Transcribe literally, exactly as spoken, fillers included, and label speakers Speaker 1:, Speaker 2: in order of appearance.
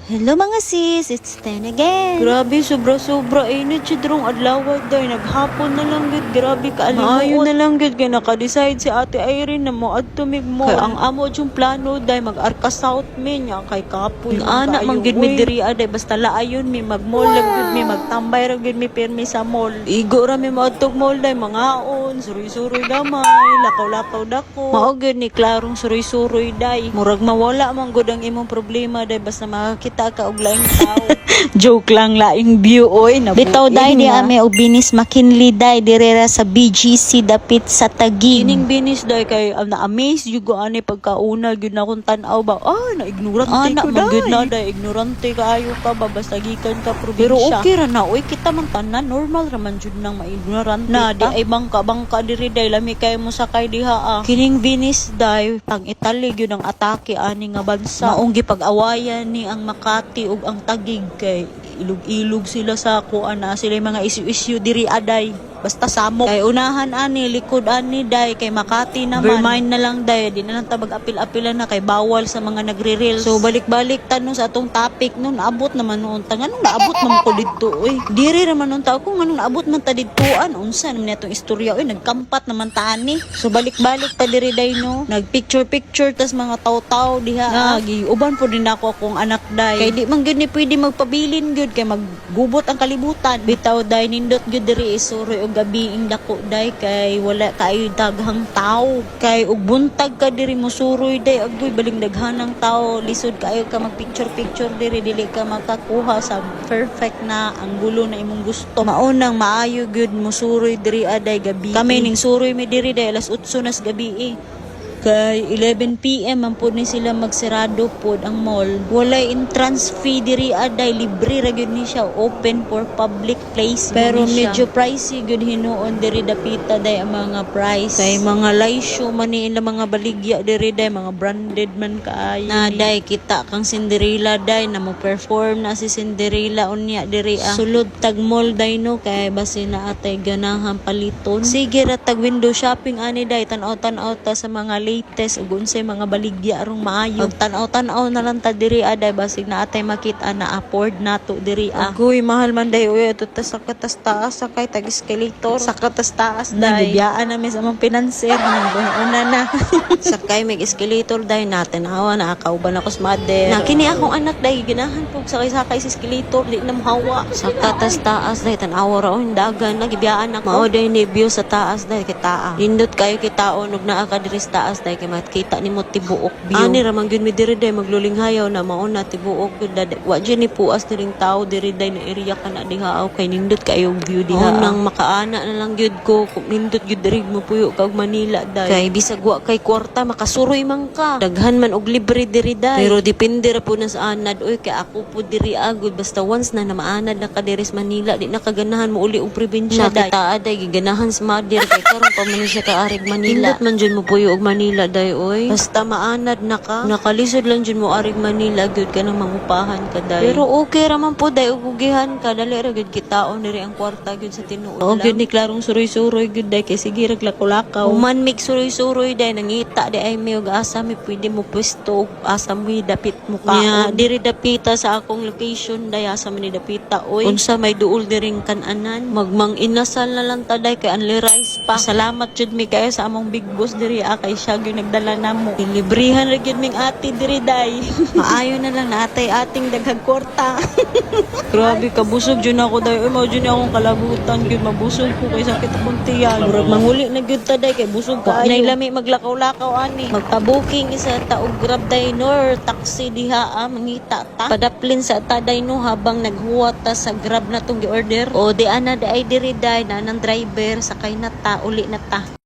Speaker 1: Hello mga sis, it's ten again.
Speaker 2: Grabe, sobra-sobra init siya drong adlaw day. Naghapon na lang gid, grabe kaalimuot. Maayo na lang gid kay naka-decide si Ate Irene na mo adto mig mo. Kay ang amo yung plano day mag-Arca South min nya kay kapoy. Ang anak man gid mi diri aday basta laayon mi mag-mall lang gid mi magtambay ra gid mi pirmi sa mall. Igo ra mi moadtog mall day mangaon, suroy-suroy gamay, lakaw-lakaw dako. Mao gid ni klarong suroy-suroy day. Murag mawala man gud ang imong problema day basta makakita ka og laing tao. Joke lang, laing view oy na
Speaker 1: Bitaw day di ame og binis McKinley day direra sa B G C dapit sa Taguig.
Speaker 2: Kining binis day kay um, na-amaze yung ani pagkauna gyud na kung tan-aw ba ah na ignorante
Speaker 1: Ah, na,
Speaker 2: ko day gyud na day ignorante kaayo ka ba basta gikan ka probinsya. Pero okay ra na oy kita man tanan normal ra man jud nang maignorante na di ay bangka bangka diri day lami kay mo sakay diha ah. Kining binis day pang Italy gyud ang atake ani nga bansa. Maong gipag-awayan ni ang Makati ug ang Taguig kay ilog-ilog sila sa kuan na sila mga issue-issue diri aday. Basta samok. Kay unahan ani, likod ani day, kay Makati naman. Vermind na lang day, di na lang tabag apil-apilan na kay bawal sa mga nagre-reels. So balik-balik tanong sa atong topic nun, abot naman noon. Tanganong naabot man ko dito, oy. Diri naman noon tao ko, nganong naabot man ta ditoan. Unsa naman itong istorya, oy, nagkampat naman ta ani. So balik-balik ta diri day no. Nagpicture-picture, tas mga taw-taw diha. Nagi, uban po din ako akong anak day. Kay di man gyud ni pwede magpabilin gyud kay maggubot ang kalibutan. Bitaw day nindot gyud diri isuroy og gabi ing dako day kay wala kaayo daghang tao kay ug buntag ka diri mo suroy day agoy baling daghanang tao lisod kaayo ka mag picture picture diri dili ka makakuha sa perfect na anggulo na imong gusto maunang maayo gyud mo suroy diri aday gabi kami ning suroy mi diri day alas otso nas gabi eh. Kay eleven p m man po ni sila magsirado pod ang mall. Walay entrance fee diri aday libre ra gyud ni siya open for public place. Pero medyo pricey gyud hinuon diri dapita day ang mga price. Kay mga laysyo man ni ila mga baligya diri day mga branded man kaayo. Na day kita kang Cinderella day na mo perform na si Cinderella unya diri ah. Sulod tag mall day no kay basi na atay ganahan paliton. Sige ra tag window shopping ani day tan-aw tan-aw ta sa mga latest ug unsay mga baligya arong maayo. Pag tan-aw-tan-aw na lang ta diri aday basig na atay makita na afford nato diri ah. Agoy mahal man day uy ato ta sa katas taas sakay tag escalator sa katas taas day. Nabiyaan na mi sa mga pinanser una na. Sakay mig escalator day natin hawa na kauban ako sa mother. Na kini akong anak day ginahan pug sakay-sakay sa escalator di na mahawa. Sa katas taas day tan-aw ra on dagan nagibiyaan ako. Mao day ni view sa taas day kita. Lindot kayo kitaon ug naa ka diri sa taas day kay makita nimo tibuok view. Ani ra man gyud mi diri day maglulinghayaw na mao na tibuok gyud wa gyud ni puas diring tao diri day na area kana diha aw kay nindot kayo view diha. Oh, nang makaana na lang gyud ko nindot gyud diri mo puyo kag Manila day. Kay bisag wa kay kwarta makasuroy man ka. Daghan man og libre diri day. Pero depende ra po na sa anad oy kay ako po diri agud basta once na na maanad na ka diri sa Manila di na kaganahan mo uli og probinsya day. Kita aday giganahan sa mother kay karon pa man siya kaarig Manila. Nindot man jud mo puyo og Manila day oy. Basta maanad na ka. Nakalisod lang jud mo arig Manila gyud ka nang mangupahan ka day. Pero okay ra man po day ugihan ka dali ra gyud kitaon diri ang kwarta gyud sa tinuod lang. Og gyud ni klarong suroy-suroy gyud day kay sige ra lakaw-lakaw. Human mig suroy-suroy day nangita di ay may og asa mi pwede mo pwesto og asa mo dapit mo ka. Yeah, diri dapita sa akong location day asa man ni dapita oy. Unsa may duol diring kan-anan magmang inasal na lang ta day kay only rice pa. Salamat jud mi kayo sa among big boss diri ah, kay siya gyud nagdala namo. Librihan ra gyud ming ate diri day. Maayo na lang natay ating daghang kwarta. Grabe kabusog jud ako day. Oy mao jud ni akong kalabutan gyud mabusog ko kay sakit akong tiyan. Murag manguli na gyud ta day kay busog kaayo. Nay lami maglakaw-lakaw ani. Magpa-booking isa ta og Grab day nor taxi diha ah, mangita ta. Padaplin sa ta day no habang naghuwat ta sa Grab na tong gi-order. O di ana day diri day na nang driver sakay na ta uli na ta.